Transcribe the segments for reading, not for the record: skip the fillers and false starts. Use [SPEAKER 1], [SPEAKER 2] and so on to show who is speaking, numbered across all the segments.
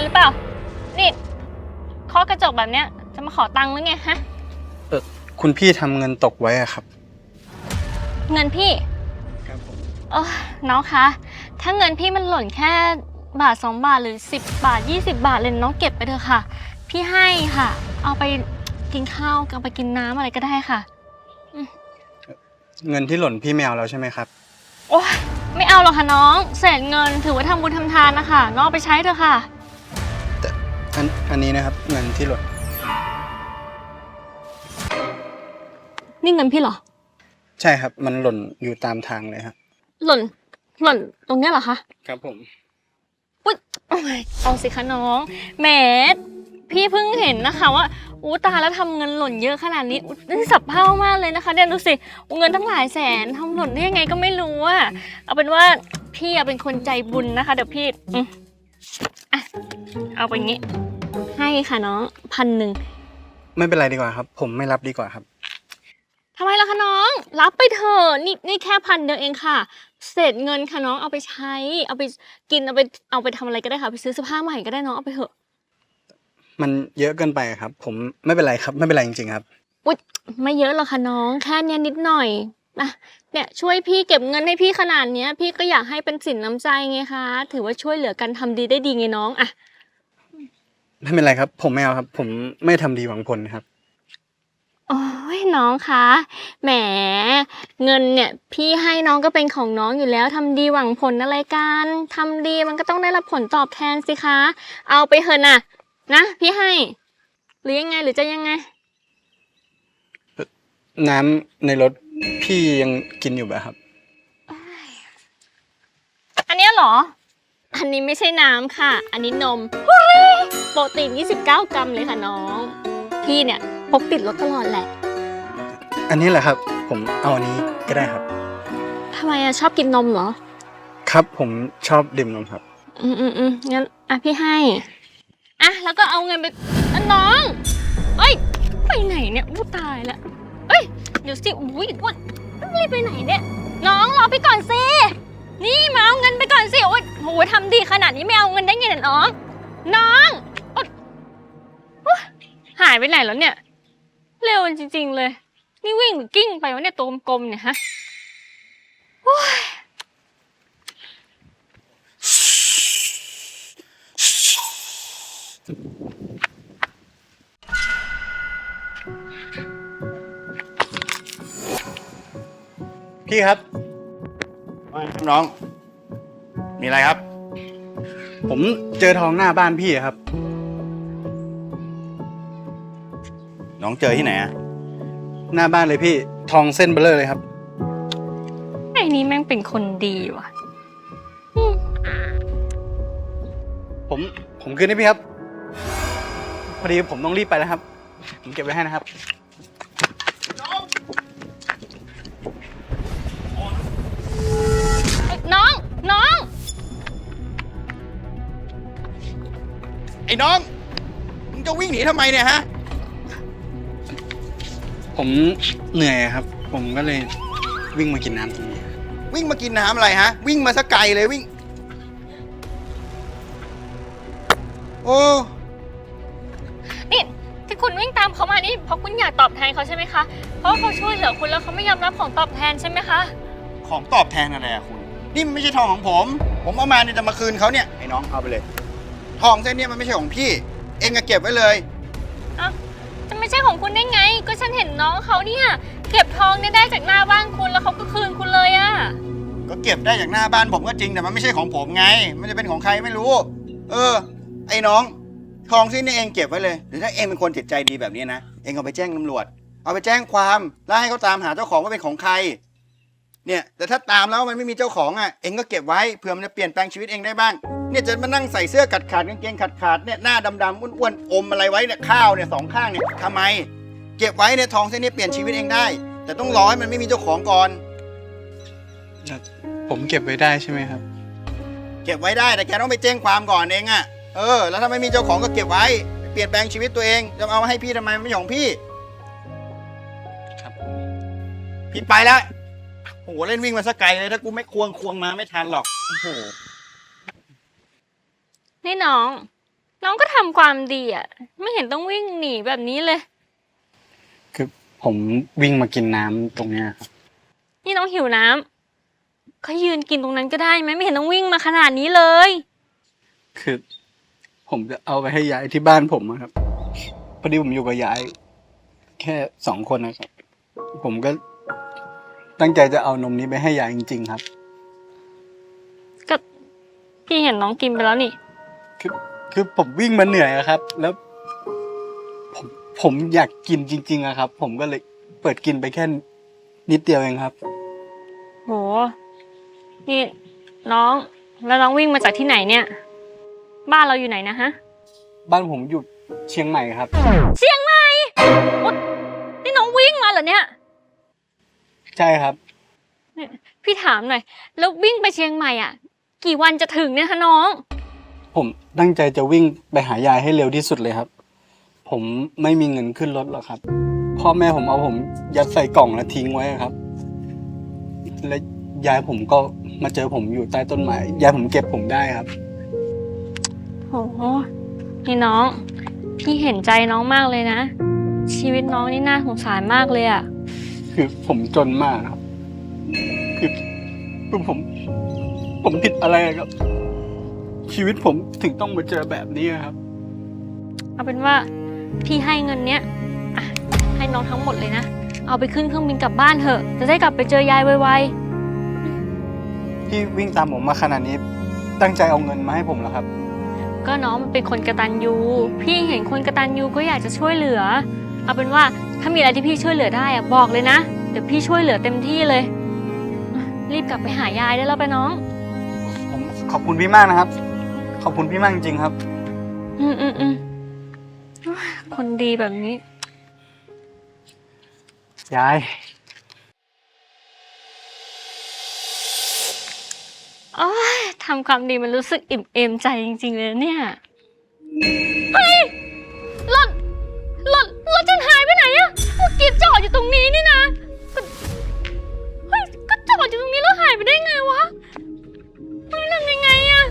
[SPEAKER 1] รือเปล่านี่เคาะกระจกแบบเนี้ยจะมาขอตังค์หรือไงฮะ
[SPEAKER 2] คุณพี่ทำเงินตกไว้อะครับ
[SPEAKER 1] เงินพี่
[SPEAKER 2] ครับผม
[SPEAKER 1] น้องคะถ้าเงินพี่มันหล่นแค่บาท2 บาทหรือ10 บาท20 บาทเลยน้องเก็บไปเถอะค่ะพี่ให้ค่ะเอาไปกินข้าวเอาไปกินน้ำอะไรก็ได้ค่ะ
[SPEAKER 2] เงินที่หล่นพี่ไม่เอาแล้วใช่ไหมครับ
[SPEAKER 1] โอ๊ยไม่เอาหรอกค่ะน้องเศษเงินถือว่าทำบุญทำทานนะคะน้องเอาไปใช้เถอะค่ะ
[SPEAKER 2] แต่อันนี้นะครับเงินที่หล่น
[SPEAKER 1] นี่เงินพี่เหรอ
[SPEAKER 2] ใช่ครับมันหล่นอยู่ตามทางเลยครับ
[SPEAKER 1] หล่นตรงเนี้ยเหรอคะ
[SPEAKER 2] ครับผม
[SPEAKER 1] อุ๊ยเอาสิคะน้องแหมพี่เพิ่งเห็นนะคะว่าอู้ตายแล้วทำเงินหล่นเยอะขนาดนี้นี่สับเพ่ามากเลยนะคะเนี่ยดูสิเงินตั้งหลายแสนทำหล่นได้ยังไงก็ไม่รู้อะเอาเป็นว่าพี่เป็นคนใจบุญนะคะเดี๋ยวพี่อ่ะเอาไปงี้ให้ค่ะน้อง1,000
[SPEAKER 2] ไม่เป็นไรดีกว่าครับผมไม่รับดีกว่าครับ
[SPEAKER 1] ทำไมล่ะคะน้องรับไปเถอะนี่แค่1,000เองค่ะเศษเงินค่ะน้องเอาไปใช้เอาไปกินเอาไปทำอะไรก็ได้ค่ะไปซื้อเสื้อผ้าใหม่ก็ได้น้องเอาไปเถอะ
[SPEAKER 2] มันเยอะเกินไปครับผมไม่เป็นไรครับไม่เป็นไรจริงๆครับ
[SPEAKER 1] อุ๊ยไม่เยอะหรอกค่ะน้องแค่เนี้ยนิดหน่อยนะเนี่ยช่วยพี่เก็บเงินให้พี่ขนาดเนี้ยพี่ก็อยากให้เป็นสินน้ำใจไงคะถือว่าช่วยเหลือกันทำดีได้ดีไงน้องอะ
[SPEAKER 2] ไม่เป็นไรครับผมไม่เอาครับผมไม่ทำดีหวังผลครับ
[SPEAKER 1] โอ้ยน้องคะแหมเงินเนี่ยพี่ให้น้องก็เป็นของน้องอยู่แล้วทำดีหวังผลอะไรกันทำดีมันก็ต้องได้รับผลตอบแทนสิคะเอาไปเถอะนะพี่ให้หรือยังไงหรือจะยังไง
[SPEAKER 2] น้ำในรถพี่ยังกินอยู่ไหมครับ
[SPEAKER 1] อันนี้เหรออันนี้ไม่ใช่น้ำค่ะอันนี้นมโปรตีน29 กรัมเลยค่ะน้องพี่เนี่ยพกติดรถตลอดแหละ
[SPEAKER 2] อันนี้แหละครับผมเอาอันนี้ก็ได้ครับ
[SPEAKER 1] ทำไมชอบกินนมเหรอ
[SPEAKER 2] ครับผมชอบดื่มนมครับ
[SPEAKER 1] งั้นพี่ให้แล้วก็เอาเงินไปน้องเอ้ยไปไหนเนี่ยอู้ตายแล้วเอ้ยเดี๋ยวสิอุ้ยรีบไปไหนเนี่ยน้องรอพี่ก่อนสินี่มาเอาเงินไปก่อนสิโอ้ยโหทำดีขนาดนี้ไม่เอาเงินได้ไงเนี่ยน้องหายไปไหนแล้วเนี่ยเร็วจริงๆเลยนี่วิ่งหรือกิ้งไปวะเนี่ยตัวกลมๆเนี่ยฮะ
[SPEAKER 2] พี่ครับ
[SPEAKER 3] น้องมีอะไรครับ
[SPEAKER 2] ผมเจอทองหน้าบ้านพี่ครับ
[SPEAKER 3] น้องเจอที่ไหนอะ
[SPEAKER 2] หน้าบ้านเลยพี่ทองเส้นเบลอเลยครับ
[SPEAKER 1] ไอ้นี่แม่งเป็นคนดีว่ะ
[SPEAKER 2] ผมคืนให้พี่ครับพอดีผมต้องรีบไปแล้วครับผมเก็บไว้ให้นะครับ
[SPEAKER 1] น้อง
[SPEAKER 3] ไอ้น้องมึงจะวิ่งหนีทำไมเนี่ยฮะ
[SPEAKER 2] ผมเหนื่อยครับผมก็เลยวิ่งมากินน้ำตรงนี้
[SPEAKER 3] วิ่งมากินน้ำอะไรฮะวิ่งมาสักไกลเลยวิ่งโอ้
[SPEAKER 1] นี่ที่คุณวิ่งตามเขามานี่เพราะคุณอยากตอบแทนเขาใช่ไหมคะเพราะเขาช่วยเหลือคุณแล้วเขาไม่ยอมรับของตอบแทนใช่ไหมคะ
[SPEAKER 3] ของตอบแทนอะไรอะคุณนี่มันไม่ใช่ทองของผมเอามาเนี่ยจะมาคืนเขาเนี่ยไอ้น้องเอาไปเลยทองเส้นนี้มันไม่ใช่ของพี่เองก็เก็บไว้เลย
[SPEAKER 1] จะไม่ใช่ของคุณได้ไงก็ฉันเห็นน้องเขาเนี่ยเก็บทองเนี่ยได้จากหน้าบ้านคุณแล้วเขาก็คืนคุณเลยอะ
[SPEAKER 3] ก็เก็บได้จากหน้าบ้านผมก็จริงแต่มันไม่ใช่ของผมไงมันจะเป็นของใครไม่รู้ไอ้น้องทองเส้นนี้เองเก็บไว้เลยหรือถ้าเองเป็นคนจิตใจดีแบบนี้นะเองเอาไปแจ้งตำรวจเอาไปแจ้งความแล้วให้เขาตามหาเจ้าของว่าเป็นของใครเนี่ยแต่ถ้าตามแล้วมันไม่มีเจ้าของเองก็เก็บไว้เผื่อมันจะเปลี่ยนแปลงชีวิตเองได้บ้างเนี่ยจะมานั่งใส่เสื้อขาดกางเกงขาดเนี่ยหน้าดำๆอ้วนๆอมอะไรไว้เนี่ยข้าวเนี่ย2 ข้างเนี่ยทำไมเก็บไว้เนี่ยทองเส้นนี้เปลี่ยนชีวิตเองได้แต่ต้องรอให้มันไม่มีเจ้าของก่อน
[SPEAKER 2] ผมเก็บไว้ได้ใช่ไหมครับ
[SPEAKER 3] เก็บไว้ได้แต่แกต้องไปแจ้งความก่อนเองแล้วถ้าไม่มีเจ้าของก็เก็บไว้เปลี่ยนแปลงชีวิตตัวเองจะเอามาให้พี่ทำไมไม่ใช่ของพี่
[SPEAKER 2] ครับ
[SPEAKER 3] พี่ไปแล้วโหเล่นวิ่งมาสักไกลเลยถ้ากูไม่ควงมาไม่ทันหรอกโอ้โห
[SPEAKER 1] นี่น้องน้องก็ทำความดีอ่ะ ไม่เห็นต้องวิ่งหนีแบบนี้เลย
[SPEAKER 2] คือผมวิ่งมากินน้ำตรงเนี้ยครับ
[SPEAKER 1] นี่น้องหิวน้ำก็ยืนกินตรงนั้นก็ได้ไหมไม่เห็นต้องวิ่งมาขนาดนี้เลย
[SPEAKER 2] คือผมจะเอาไปให้ยายที่บ้านผมอะครับพอดีผมอยู่กับยาย แค่2 คนนะครับ ผมก็ตั้งใจจะเอานมนี้ไปให้ยายจริงๆครับ
[SPEAKER 1] ก็พี่เห็นน้องกินไปแล้วนี่
[SPEAKER 2] คือผมวิ่งมาเหนื่อยอะครับ แล้ว ผมอยากกินจริงๆอะครับ ผมก็เลยเปิดกินไปแค่นิดเดียวเองครับ
[SPEAKER 1] โห นี่น้องแล้วน้องวิ่งมาจากที่ไหนเนี่ย บ้านเราอยู่ไหนนะฮะ
[SPEAKER 2] บ้านผมอยู่เชียงใหม่ครับ
[SPEAKER 1] เชียงใหม่โอ๊ยนี่น้องวิ่งมาเหรอเนี่ย
[SPEAKER 2] ใช่ครับ
[SPEAKER 1] พี่ถามหน่อย แล้ววิ่งไปเชียงใหม่อ่ะ กี่วันจะถึงเนี่ยคะน้อง
[SPEAKER 2] ผมตั้งใจจะวิ่งไปหายายให้เร็วที่สุดเลยครับ ผมไม่มีเงินขึ้นรถหรอกครับ พ่อแม่ผมเอาผมยัดใส่กล่องแล้วทิ้งไว้ครับ และยายผมก็มาเจอผมอยู่ใต้ต้นไม้ ยายผมเก็บผมได้ครับ
[SPEAKER 1] โหนี่น้อง พี่เห็นใจน้องมากเลยนะ ชีวิตน้องนี่น่าสงสารมากเลยอ่ะ
[SPEAKER 2] คือผมจนมากครับ คือผมผิดอะไรครับ ชีวิตผมถึงต้องมาเจอแบบนี้ครับ
[SPEAKER 1] เอาเป็นว่าพี่ให้เงินเนี้ยอ่ะให้น้องทั้งหมดเลยนะ เอาไปขึ้นเครื่องบินกลับบ้านเถอะ จะได้กลับไปเจอยายไว
[SPEAKER 2] พี่วิ่งตามผมมาขนาดนี้ ตั้งใจเอาเงินมาให้ผมเหรอครับ
[SPEAKER 1] ๆก็น้องมันเป็นคนกตัญญูพี่เห็นคนกตัญญูก็อยากจะช่วยเหลือ เอาเป็นว่าถ้ามีอะไรที่พี่ช่วยเหลือได้อะบอกเลยนะ เดี๋ยวพี่ช่วยเหลือเต็มที่เลยรีบกลับไปหายายได้แล้วไปน้อง
[SPEAKER 2] ผมขอบคุณพี่มากนะครับ ขอบคุณพี่มากจริงๆครับ
[SPEAKER 1] อืมคนดีแบบนี้
[SPEAKER 2] ยาย
[SPEAKER 1] โอ้ยทำความดีมันรู้สึกอิ่มเอมใจจริงๆเลยเนี่ย เฮ้ยรถฉันหายไปไหนอะเมื่อกี้จอดอยู่ตรงนี้นี่นะเฮ้ยก็จอดอยู่ตรงนี้แล้วหายไปได้ไงวะเฮ้ยทำยังไงอะ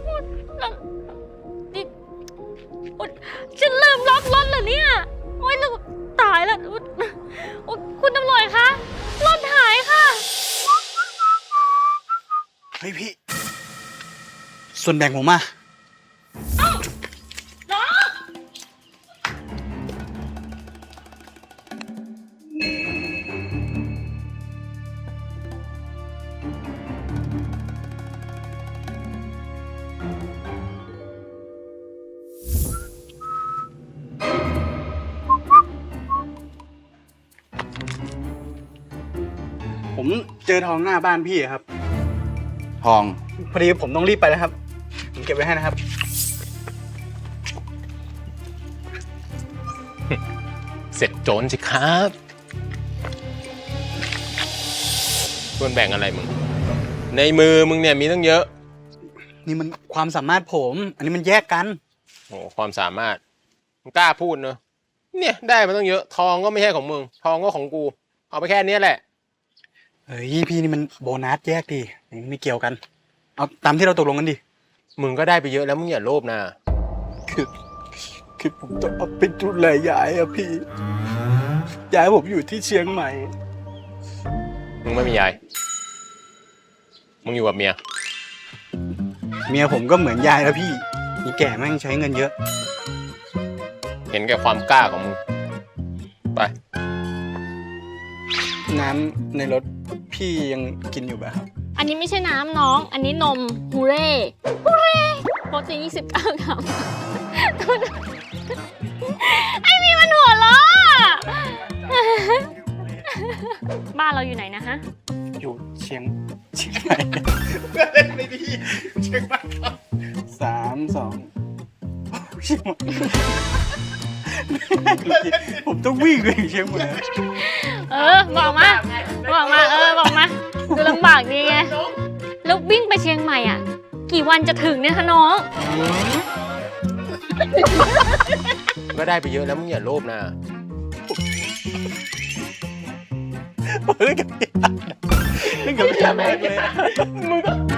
[SPEAKER 1] นี่ฉันลืมล็อกรถเหรอเนี่ยโอ๊ยแล้วตายแล้วโอ๊ยคุณตำรวจคะรถหายค่ะ
[SPEAKER 2] เฮ้ยพี่ ส่วนแบ่งผมมา ผมเจอทองหน้าบ้านพี่ครับ
[SPEAKER 3] ทอง
[SPEAKER 2] พอดีผมต้องรีบไปแล้วครับ ผมเก็บไว้ให้นะครับ
[SPEAKER 4] เสร็จโจรสิครับส่วนแบ่งอะไรมึง ในมือมึงเนี่ยมีตั้งเยอะ
[SPEAKER 2] นี่มันความสามารถผม อันนี้มันแยกกัน
[SPEAKER 4] โอ้ความสามารถมึงกล้าพูดเนอะเนี่ยได้มาตั้งเยอะทองก็ไม่ใช่ของมึง ทองก็ของกู เอาไปแค่นี้แหละ
[SPEAKER 2] เฮ้ยพี่นี่มันโบนัสแยกดินี่ไม่เกี่ยวกัน เอาตามที่เราตกลงกันดิ
[SPEAKER 4] มึงก็ได้ไปเยอะแล้วมึงอย่าโลภนะ
[SPEAKER 2] คือผมต้องเอาไปดูแลยายอะพี่ ยายผมอยู่ที่เชียงใหม่
[SPEAKER 4] มึงไม่มียาย มึงอยู่กับเมีย
[SPEAKER 2] เมียผมก็เหมือนยายแล้วพี่นี่แก่แม่งใช้เงินเยอะ
[SPEAKER 4] เห็นแก่ความกล้าของมึง ไป
[SPEAKER 2] น้ำในรถพี่ยังกินอยู่ป่ะครับ
[SPEAKER 1] อันนี้ไม่ใช่น้ำน้อง อันนี้นมฮูเร่โปรตีน29 กรัมไอ้นี่มันหัวล้อบ้านเราอยู่ไหนนะฮะ
[SPEAKER 2] อยู่เชียงใหม่เล่นไม่ดีเชียงใหม่ครับ3 2เชียงใหม่ผมต้องวิ่งไปเชียงใหม่
[SPEAKER 1] บอกมาบอกมาดูลำบากดีไงแล้ววิ่งไปเชียงใหม่อ่ะ กี่วันจะถึงเนี่ยคะน้อง
[SPEAKER 4] ก็ได้ไปเยอะแล้วมึงอย่าโลภนะ
[SPEAKER 2] เล่นกับพี่เลยมึง